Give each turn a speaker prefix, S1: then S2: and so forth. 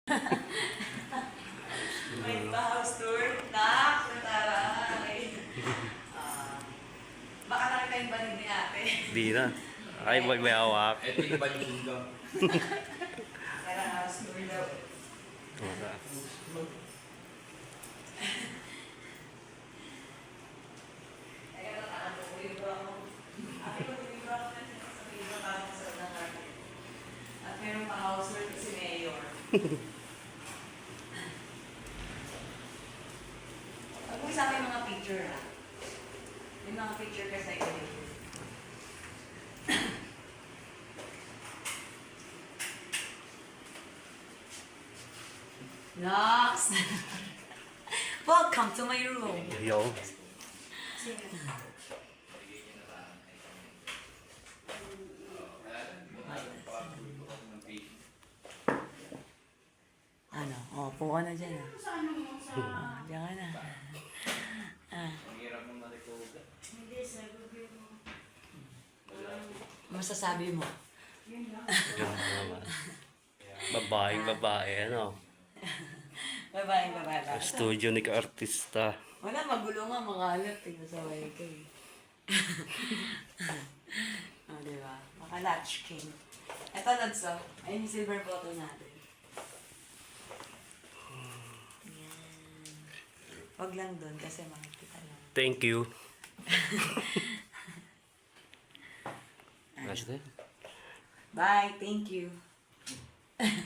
S1: May pa-house tour. Nataray. Baka nakita yung banig ni ate.
S2: Di na. Ay, may hawak.
S3: Ito yung balikinga.
S1: Kaya house tour daw.
S2: Wala.
S1: Kaya nataan ko libro ako. Ate ko libro ako na sinasabihin ko parang sa unang natin. At meron pa-house tour si Mayor. Pag mo sa akin mga picture ha. Yung mga picture ka sa iyo. Nox! Welcome to my room.
S2: Yo.
S1: Ano? Oh, puka na dyan ah. Oh, dyan ka na.
S3: Ang hirap mong na-recover.
S1: Masasabi mo?
S2: Yan naman. Babaeng babae, ano?
S1: Babaeng babae.
S2: Studio ni ka-artista.
S1: Wala, magulo nga, makalat. Pinasaway ko eh. Oh, diba? Maka-latch king. Ito, Lods, oh. Ayun yung silver bottle natin. Yan. Wag lang dun kasi makikita lang.
S2: Thank you. Nice day.
S1: Bye, thank you.